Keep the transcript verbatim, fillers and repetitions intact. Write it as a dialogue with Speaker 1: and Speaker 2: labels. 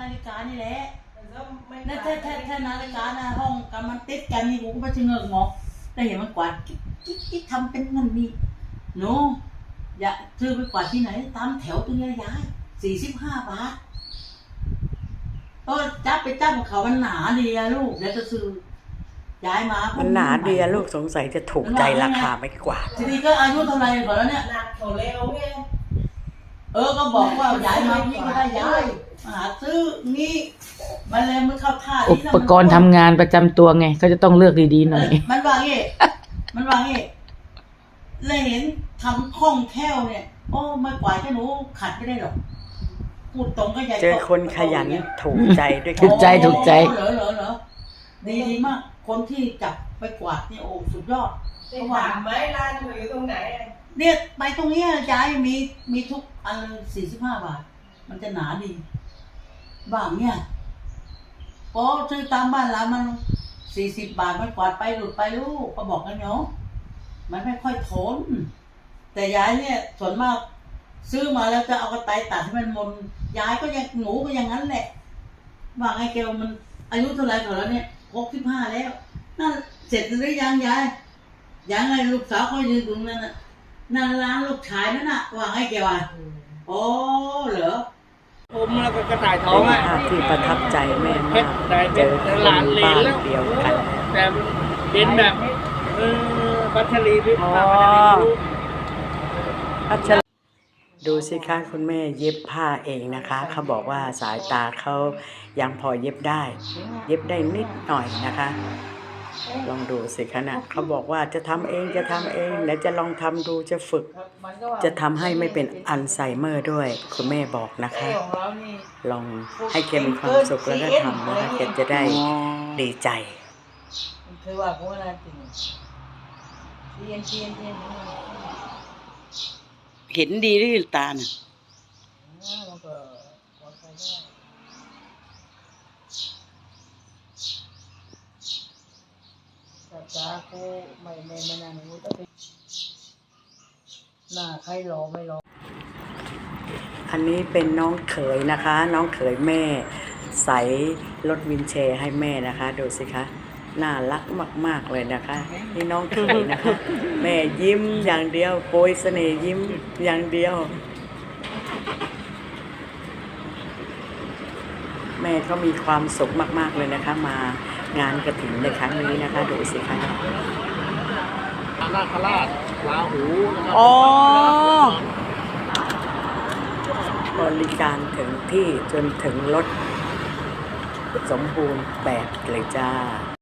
Speaker 1: นาฬิกานี่แหละนั่นถ้าถ้าถ้านาฬิกานะห้องกันมันติดกันนี่กูก็ไม่ใช่เงือกหมอกแต่เห็นมันกวาดกิ๊กกิ๊กกิ๊กทำเป็นเงินนี่หนูอย่าซื้อไปกวาดที่ไหนตามแถวตรงนี้ย้ายสี่สิบห้าบาทก็จับไปจับของเขามันหนาดีอะลูกเดี๋ยวจะซื้อย้ายมา
Speaker 2: มันหนาดีอะลูกสงสัยจะถูกใจราคาไม่กว่า
Speaker 1: ทีนี้ก็อายุเท่าไรก่อนแล้วเนี่ย
Speaker 3: หนักเขาเร็วไง
Speaker 1: เออก็บอกว่าย้ายมาพี่ก็ได้ย้ายมาหาซื้อนี่มันเลยมันเข้าท่า
Speaker 4: อุปกรณ์ทำงานประจำตัวไงเขาจะต้องเลือกดีๆหน่อย
Speaker 1: มันว่างี้มันว่างี้เลยเห็นทำคล่องแคล่วเนี่ยโอ้ไม่กวาดแค่หนูขัดไม่ได้หรอกพูดตรงก็ใหญ่
Speaker 2: เจอคนขยันถูกใจด้วย
Speaker 4: ถูกใจถูกใจ
Speaker 1: เหรอเหรอเหรอดีดีมากคนที่จับไปกวาดเนี่ยโอ้สุดยอด
Speaker 3: เพราะว่าไม้ร้านอยู่ตรงไหน
Speaker 1: เนี่ยไปตรงนี้ย้ายมีมีทุกอันสี่สิบห้าบาทมันจะหนาดีบ้างเนี่ยพอซื้อตามบ้านเรามันสี่สิบบาทมันกวาดไปหลุดไปลูกก็บอกกันเนาะมันไม่ค่อยทนแต่ย้ายเนี่ยส่วนมากซื้อมาแล้วจะเอากระต่ายตัดให้มันมนย้ายก็ยังหนูก็อย่างนั้นแหละว่าไงเกลมันอายุเท่าไรก่อนแล้วเนี่ยหกสิบห้าแล้วนั่นเสร็จหรือยังยายยังไงลูกสาวเขายืนตรงนั้นน่ะนั่นร้านลูกชายนั่นน่ะว่าไงเกลอ่ะโอ้เหรอ
Speaker 5: ผมแล้วก็กระต่ายทองอ่ะ
Speaker 2: ที่ประทับใจแม่มากเจอคนบ้านเดียวกัน
Speaker 5: แต่เป็นแบบเออพัชรีพิพา
Speaker 2: พัชรีดูสิคะคุณแม่เย็บผ้าเองนะคะเขาบอกว่าสายตาเขายังพอเย็บได้เย็บได้นิดหน่อยนะคะลองดูสิคะนะเขาบอกว่าจะทำเองจะทำเองเดี๋ยวจะลองทำดูจะฝึกจะทำให้ไม่เป็นอัลไซเมอร์ด้วยคุณแม่บอกนะคะลองให้แกมีความสุขแล้วก็ทำนะคะแกจะได้ดีใจ
Speaker 1: คือว่าพวกนั้นจริงเทียนเทียนเทียน
Speaker 2: เห็นดีด้วยตาน่ะ
Speaker 1: จ้ากูไม่ไม่ไม่นานกูต้องไปหน้าใครรอไม่รอ
Speaker 2: อันนี้เป็นน้องเขยนะคะ น้องเขยแม่ใส่รถวินแชร์ให้แม่นะคะดูสิคะน่ารักมากๆเลยนะคะนี่น้องเขยนะคะ แม่ยิ้มอย่างเดียวโปรยเสน่ห์ยิ้มอย่างเดียวแม่ก็มีความสุขมากๆเลยนะคะมางานกฐินในครั้งนี้นะคะดูสิคะ
Speaker 5: นาคราชลาหู
Speaker 2: อ๋อบริการถึงที่จนถึงรถสมบูรณ์แบบเลยจ้า